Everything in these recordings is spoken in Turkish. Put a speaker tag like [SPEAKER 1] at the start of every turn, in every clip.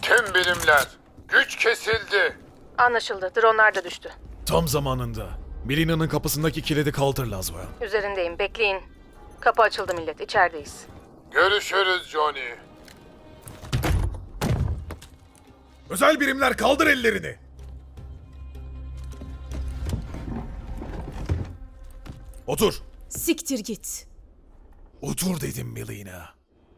[SPEAKER 1] Tüm birimler, güç kesildi.
[SPEAKER 2] Anlaşıldı. Dronlar da düştü.
[SPEAKER 3] Tam zamanında. Melina'nın kapısındaki kilidi kaldır Laswell.
[SPEAKER 2] Üzerindeyim. Bekleyin. Kapı açıldı millet. İçerideyiz.
[SPEAKER 1] Görüşürüz Johnny.
[SPEAKER 3] Özel birimler kaldır ellerini. Otur.
[SPEAKER 4] Siktir git.
[SPEAKER 3] Otur dedim Melina.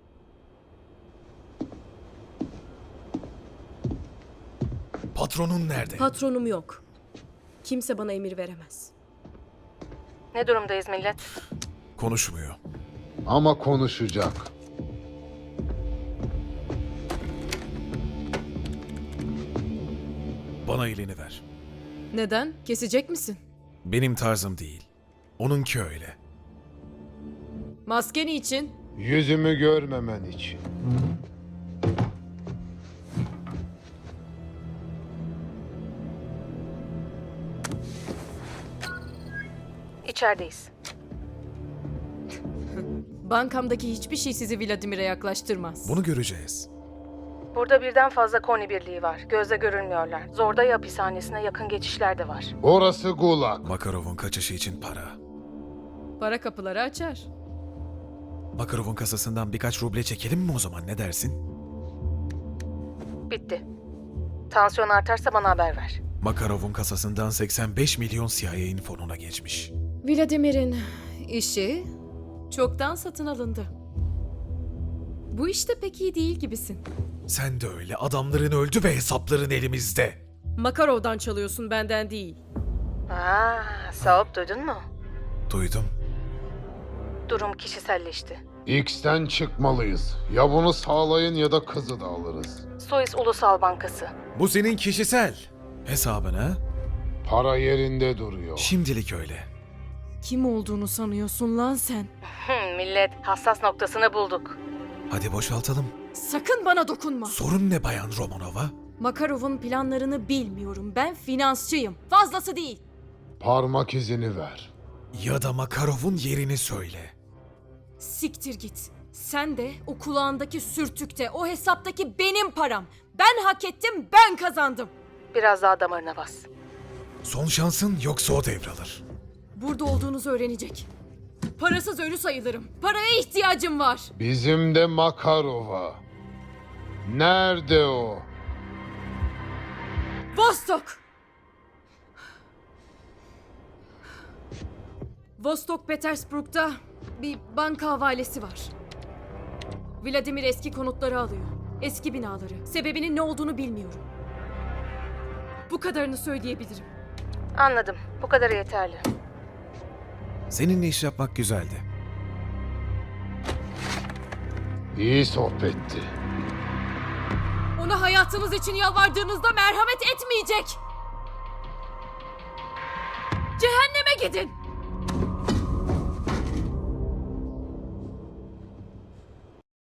[SPEAKER 3] Patronun nerede?
[SPEAKER 4] Patronum yok. Kimse bana emir veremez.
[SPEAKER 2] Ne durumdayız millet?
[SPEAKER 3] Konuşmuyor.
[SPEAKER 1] Ama konuşacak.
[SPEAKER 3] Bana elini ver.
[SPEAKER 4] Neden? Kesecek misin?
[SPEAKER 3] Benim tarzım değil. Onunki öyle.
[SPEAKER 4] Maskeni için.
[SPEAKER 1] Yüzümü görmemen için.
[SPEAKER 2] İçerideyiz.
[SPEAKER 4] Bankamdaki hiçbir şey sizi Vladimir'e yaklaştırmaz.
[SPEAKER 3] Bunu göreceğiz.
[SPEAKER 2] Burada birden fazla koni birliği var. Gözle görülmüyorlar. Zorday hapishanesine yakın geçişler de var.
[SPEAKER 1] Orası Gulag.
[SPEAKER 3] Makarov'un kaçışı için para.
[SPEAKER 4] Para kapıları açar.
[SPEAKER 3] Makarov'un kasasından birkaç ruble çekelim mi o zaman, ne dersin?
[SPEAKER 2] Bitti. Tansiyon artarsa bana haber ver.
[SPEAKER 3] Makarov'un kasasından 85 milyon CIA'nin fonuna geçmiş.
[SPEAKER 4] Vladimir'in işi çoktan satın alındı. Bu işte pek iyi değil gibisin.
[SPEAKER 3] Sen de öyle. Adamların öldü ve hesapların elimizde.
[SPEAKER 4] Makarov'dan çalıyorsun, benden değil.
[SPEAKER 2] Saup duydun mu?
[SPEAKER 3] Duydum.
[SPEAKER 2] Durum kişiselleşti.
[SPEAKER 1] X'ten çıkmalıyız. Ya bunu sağlayın ya da kızı da alırız.
[SPEAKER 2] Suez Ulusal Bankası.
[SPEAKER 3] Bu senin kişisel hesabın ha?
[SPEAKER 1] Para yerinde duruyor.
[SPEAKER 3] Şimdilik öyle.
[SPEAKER 4] Kim olduğunu sanıyorsun lan sen?
[SPEAKER 2] Millet, hassas noktasını bulduk.
[SPEAKER 3] Hadi boşaltalım.
[SPEAKER 4] Sakın bana dokunma.
[SPEAKER 3] Sorun ne Bayan Romanova?
[SPEAKER 4] Makarov'un planlarını bilmiyorum. Ben finansçıyım. Fazlası değil.
[SPEAKER 1] Parmak izini ver.
[SPEAKER 3] Ya da Makarov'un yerini söyle.
[SPEAKER 4] Siktir git. Sen de o kulağındaki sürtükte, o hesaptaki benim param. Ben hak ettim, ben kazandım.
[SPEAKER 2] Biraz daha damarına bas.
[SPEAKER 3] Son şansın, yoksa o devralır.
[SPEAKER 4] Burada olduğunuzu öğrenecek. Parasız ölü sayılırım. Paraya ihtiyacım var.
[SPEAKER 1] Bizim de Makarova. Nerede o?
[SPEAKER 4] Vostok! Vostok Petersburg'da bir banka havalesi var. Vladimir eski konutları alıyor. Eski binaları. Sebebinin ne olduğunu bilmiyorum. Bu kadarını söyleyebilirim.
[SPEAKER 2] Anladım. Bu kadar yeterli.
[SPEAKER 3] Seninle iş yapmak güzeldi.
[SPEAKER 1] İyi sohbetti.
[SPEAKER 4] Ona hayatınız için yalvardığınızda merhamet etmeyecek. Cehenneme gidin.